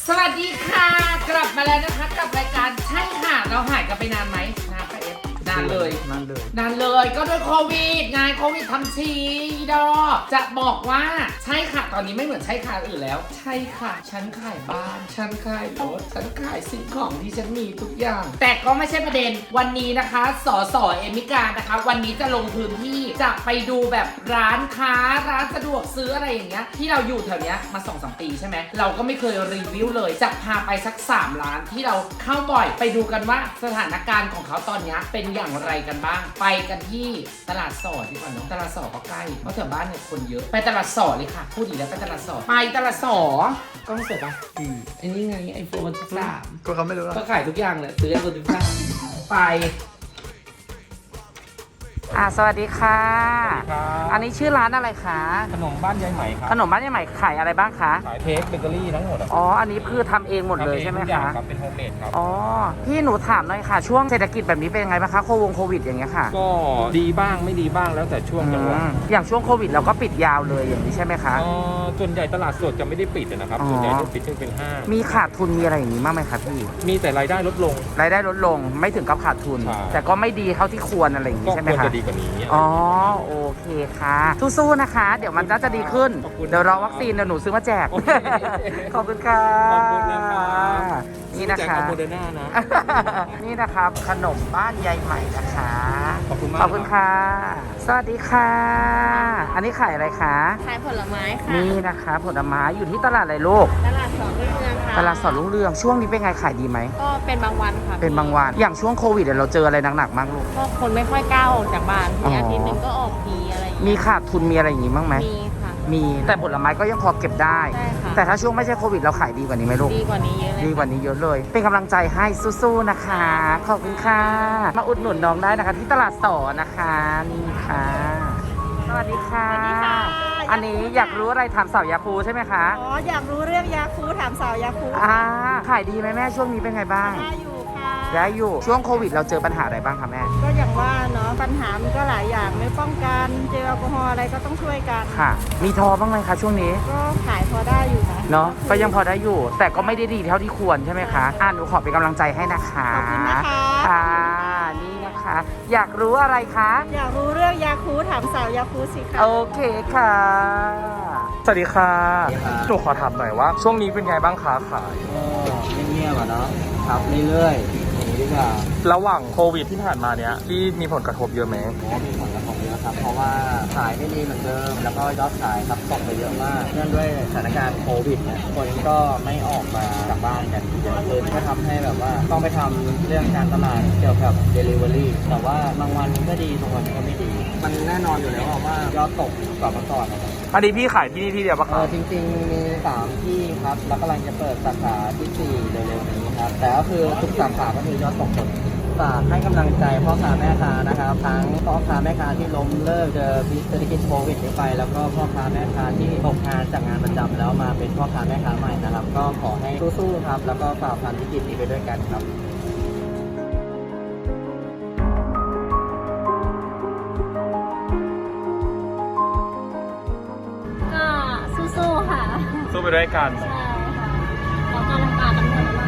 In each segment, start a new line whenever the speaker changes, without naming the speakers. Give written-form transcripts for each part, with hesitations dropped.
สวัสดีค่ะกลับมาแล้วนะคะกับรายการใช่ค่ะเราหายกันไปนานไหมนานปะเอฟนานเลยก็ด้วยโควิดไงโควิดทำชีดอจะบอกว่าใช่ค่ะตอนนี้ไม่เหมือนใช่ค่ะอื่นแล้วใช่ค่ะฉันขายบ้านฉันขายรถฉันขายสิ่งของที่ฉันมีทุกอย่างแต่ก็ไม่ใช่ประเด็นวันนี้นะคะสสเอมิกานะคะวันนี้จะลงพื้นที่จะไปดูแบบร้านค้าร้านสะดวกซื้ออะไรอย่างเงี้ยที่เราอยู่แถวเนี้ยมา 2-3 ปีใช่ไหมเราก็ไม่เคยรีวิวเลยจะพาไปสัก3ร้านที่เราเข้าบ่อยไปดูกันว่าสถานการณ์ของเขาตอนนี้เป็นอย่างไรกันบ้างไปกันที่ตลาดสดดีกว่าเนาะตลาดสดก็ใกล้เพราะแถวบ้านเนี่ยคนเยอะไปตลาดสดเลยค่ะพูดอีกแล้วไปตลาดสดไปตลาดสดกล้องเสร็จปะไอ้นี่ไงไอโฟน13
ก็เขาไม่รู้
ก็ขายทุกอย่างเลยซื้อไอโฟน13ไปสวัสดีค่ะอันนี้ชื่อร้านอะไรคะ
ขนมบ้านยายไหมครับ
ขนมบ้านยายไหมขายอะไรบ้างคะ
ขายเค้กเบเกอรี่ทั้งหมด
อ๋ออันนี้คือทำเองหมดเลยใช่ไหมคะ
ครับเป็นโฮมเมดครับ
อ๋อพี่หนูถามหน่อยค่ะช่วงเศรษฐกิจแบบนี้เป็นยังไงบ้างคะโควิดอย่างเงี้ยค่ะ
ก็ดีบ้างไม่ดีบ้างแล้วแต่ช่วงจังหวะ
อย่างช่วงโควิดเราก็ปิดยาวเลยอย่างนี้ใช่ไหมคะ
ส่วนใหญ่ตลาดสดจะไม่ได้ปิดนะครับส่วนใหญ่จะปิดเป็นห้าง
มีขาดทุนมีอะไรอย่างนี้บ้างไหมคะพี่
มีแต่รายได้ลดลง
ไม่ถึงกับขาดทุนแต่ก็ไม่ดีเท่าที่ควรอะไรอย่างนี้ใช่ไหมคะ
ก็ควรจะดีกว่านี้
อ๋อโอเคค่ะสู้ๆนะคะเดี๋ยวมันจะดีขึ้นเดี๋ยวรอวัคซีนเดี๋ยวหนูซื้อมาแจกขอบคุณค่ะ
ขอบคุณนะครับ
นี่นะคะ
โมเดอร์นานะ
นี่นะครับขนมบ้านยายใหม่นะคะ
ขอบคุณมาก
ขอบคุณค่ะสวัสดีค่ะอันนี้ขายอะไรคะ
ขายผลไม้ค่ะ
นี่นะคะผลไม้อยู่ที่ตลาดอะไรลูก
ตลาดสดรุ่งเรืองค่ะ
ตลาดสดรุ่งเรืองช่วงนี้เป็นไงขายดีไหม
ก็เป็นบางวันค่ะ
เป็นบางวันอย่างช่วงโควิดเราเจออะไรหนักๆมากลูก
ก็คนไม่ค่อยกล้าออกจากบ้านมีอาทิตย์นึงก็ออกทีอะไร
มีขาดทุนมีอะไรอย่างนี้บ้างไหม
มีค่ะ
มีแต่ผลไม้ก็ยังพอเก็บได้
ใช่ค่ะ
แต่ถ้าช่วงไม่ใช่โควิดเราขายดีกว่านี้ไหมลูก
ดีกว่านี้เยอะเลย
ดีกว่านี้เยอะเลยเป็นกำลังใจให้สู้ๆนะคะขอบคุณค่ะมาอุดหนุนน้องได้นะคะที่ตลาดสดนะคะนี่ค่ะสวัสดีค่ะอันนี้อยากรู้อะไรถามสาวยาคูใช่ไหมคะ
อ๋ออยากรู้เรื่องยาคูถามสาวยาคู
ขายดีไหมแม่ช่วงนี้เป็นไงบ้าง
ได้อยู่ค่ะ
ได้อยู่ช่วงโควิดเราเจอปัญหาอะไรบ้างคะแม่
ก็อย่างว่าเนาะปัญหามันก็หลายอย่างไม่ป้องกันเจลแอลกอฮอล์อะไรก็ต้องช่วยกัน
ค่ะมีทอบ้างไหมคะช่วงนี้
ก็ขายพอได้อยู่นะ
เนาะก็ยังพอได้อยู่แต่ก็ไม่ได้ดีเท่าที่ควรใช่ไหมคะหนูขอเป็นกำลังใจให้นะคะ
ขอบคุณนะคะ
ค่ะนี่นะคะอยากรู้อะไรคะ
อยากรู้เรื่องยาคูถามสาวยาคูสิคะ
โอเคค่ะ
สวัสดีค่ะหนูขอถามหน่อยว่าช่วงนี้เป็นไงบ้างคะขาย
เงียบๆเนาะครับเรื่อยๆอย่างนี้ดีกว่า
ระหว่างโควิดที่ผ่านมาเนี้ยที่มีผลกระทบเยอะไหม
มีผลกระทบเยอะครับเพราะว่าขายไม่ดีเหมือนเดิมแล้วก็ยอดขายครับตกไปเยอะมากเนื่องด้วยสถานการณ์โควิดเนี่ยคนก็ไม่ออกมาจากบ้านกันเยอะขึ้นก็ทำให้แบบว่าต้องไปทำเรื่องการตลาดเกี่ยวกับ Delivery แต่ว่าบางวันก็ดีบางวันก็ไม่ดีมันแน่นอนอยู่แล้วว่ายอดตกกว่าเมื่อก่อนนะครับ
อันนี้พี่ขายที่นี่ที่เดียวปะครับ
จริงๆมี3ที่ครับแล้วกำลังจะเปิดสาขาที่4เร็วๆนี้ครับแต่ก็คือทุกสาขาก็คือยอดตกหมดฝากให้กำลังใจพ่อค้าแม่ค้านะครับทั้งพ่อค้าแม่ค้าที่ล้มเลิกเจอพิษเศรษฐกิจโควิดนี้ไปแล้วก็พ่อค้าแม่ค้าที่ตกงานจากงานประจำแล้วมาเป็นพ่อค้าแม่ค้าใหม่นะครับก็ขอให้สู้ๆครับแล้วก็ฝ่าฟันวิกฤตนี้ไปด้วยกันครับ
สู้ค่ะ
สู้ไปด้วยกัน
ใช่ค่ะขอกำลังกายกันหมดแล้ว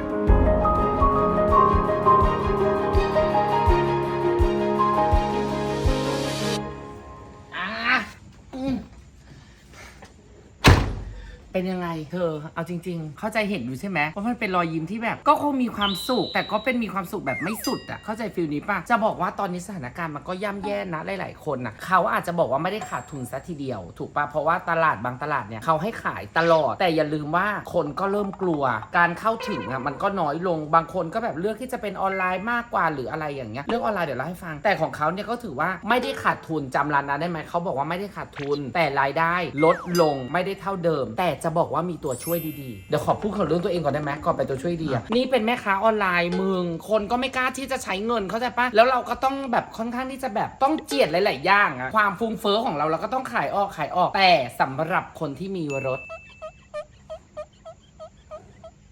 เป็นยังไงเธอเอาจริงๆเข้าใจเห็นอยู่ใช่ไหมว่ามันเป็นรอยยิ้มที่แบบก็คงมีความสุขแต่ก็เป็นมีความสุขแบบไม่สุดอ่ะเข้าใจฟีลนี้ป่ะจะบอกว่าตอนนี้สถานการณ์มันก็ย่ำแย่นะหลายๆคนอ่ะเขาอาจจะบอกว่าไม่ได้ขาดทุนซะทีเดียวถูกป่ะเพราะว่าตลาดบางตลาดเนี่ยเขาให้ขายตลอดแต่อย่าลืมว่าคนก็เริ่มกลัวการเข้าถึงอ่ะมันก็น้อยลงบางคนก็แบบเลือกที่จะเป็นออนไลน์มากกว่าหรืออะไรอย่างเงี้ยเรื่องออนไลน์เดี๋ยวเล่าให้ฟังแต่ของเขาเนี่ยก็ถือว่าไม่ได้ขาดทุนจำร้านนั้นได้ไหมเขาบอกว่าไม่ได้ขาดทุนแต่รายได้ลดลงไม่ได้เท่าเดิมแต่จะบอกว่ามีตัวช่วยดีๆเดี๋ยวขอพูดของเรื่องตัวเองก่อนได้ไหมก่อนไปตัวช่วยดีอ่ะนี่เป็นแม่ค้าออนไลน์มึงคนก็ไม่กล้าที่จะใช้เงินเข้าใจปะแล้วเราก็ต้องแบบค่อนข้างที่จะแบบต้องเจียดหลายๆอย่างอะความฟุ้งเฟ้อของเราก็ต้องขายออกแต่สำหรับคนที่มีรถ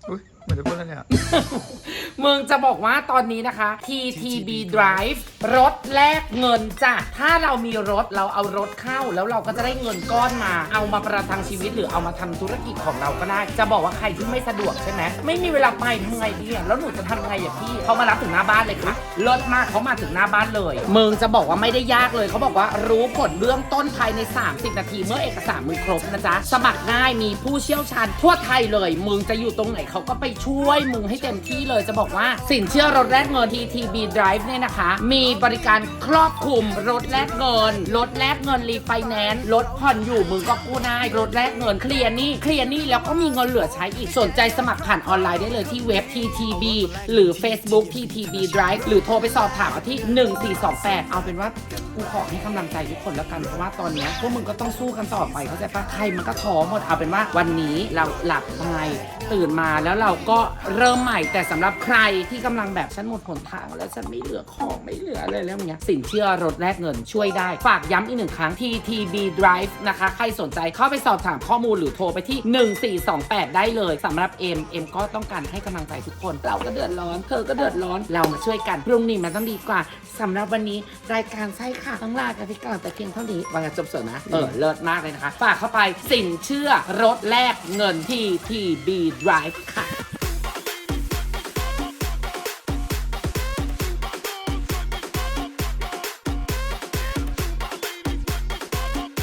มือนจะพูดอะไรเนี่ย
มึงจะบอกว่าตอนนี้นะคะ TTB Drive รถแลกเงินจ้ะถ้าเรามีรถเราเอารถเข้าแล้วเราก็จะได้เงินก้อนมาเอามาประทังชีวิตหรือเอามาทำธุรกิจของเราก็ได้จะบอกว่าใครที่ไม่สะดวกใช่ไหมไม่มีเวลาไปทำไงดีอะแล้วหนูจะทำไงอะพี่เขามารับถึงหน้าบ้านเลยค่ะรถมากเขามาถึงหน้าบ้านเลยมึงจะบอกว่าไม่ได้ยากเลยเขาบอกว่ารู้ผลเบื้องต้นภายใน30 นาทีเมื่อเอกสารมึงครบนะจ๊ะสมัครง่ายมีผู้เชี่ยวชาญทั่วไทยเลยมึงจะอยู่ตรงไหนเขาก็ไปช่วยมึงให้เต็มที่เลยจะบอกว่าสินเชื่อรถแลกเงิน TTB Drive เนี่ยนะคะมีบริการครอบคลุมรถแลกเงินรถแลกเงินรีไฟแนนซ์รถผ่อนอยู่มึงก็กู้ได้รถแลกเงินเคลียร์หนี้แล้วก็มีเงินเหลือใช้อีกสนใจสมัครผ่านออนไลน์ได้เลยที่เว็บ TTB หรือ Facebook TTB Drive หรือโทรไปสอบถามที่1428เอาเป็นว่ากูขอให้กำลังใจทุกคนแล้วกันเพราะว่าตอนนี้พวกมึงก็ต้องสู้กันต่อไปเข้าใจปะใครมันก็ท้อหมดเอาเป็นว่าวันนี้เราหลับไปตื่นมาแล้วเราก็เริ่มใหม่แต่สำหรับใครที่กำลังแบบฉันหมดหนทางแล้วฉันไม่เหลือของไม่เหลืออะไรแล้วเงี้ยสินเชื่อรถแลกเงินช่วยได้ฝากย้ำอีกหนึ่งครั้ง TTB Drive นะคะใครสนใจเข้าไปสอบถามข้อมูลหรือโทรไปที่1428ได้เลยสำหรับเอ็มก็ต้องการให้กำลังใจทุกคนเราก็เดือดร้อนเธอก็เดือดร้อนเรามาช่วยกันพรุ่งนี้มันต้องดีกว่าสำหรับวันนี้รายการใช่ค่ะต้องลากันไปก่อนแต่เพียงเท่านี้วางจบสดนะเลิศมากเลยนะคะฝากเข้าไปสินเชื่อรถแลกเงิน TTB Drive ค่ะ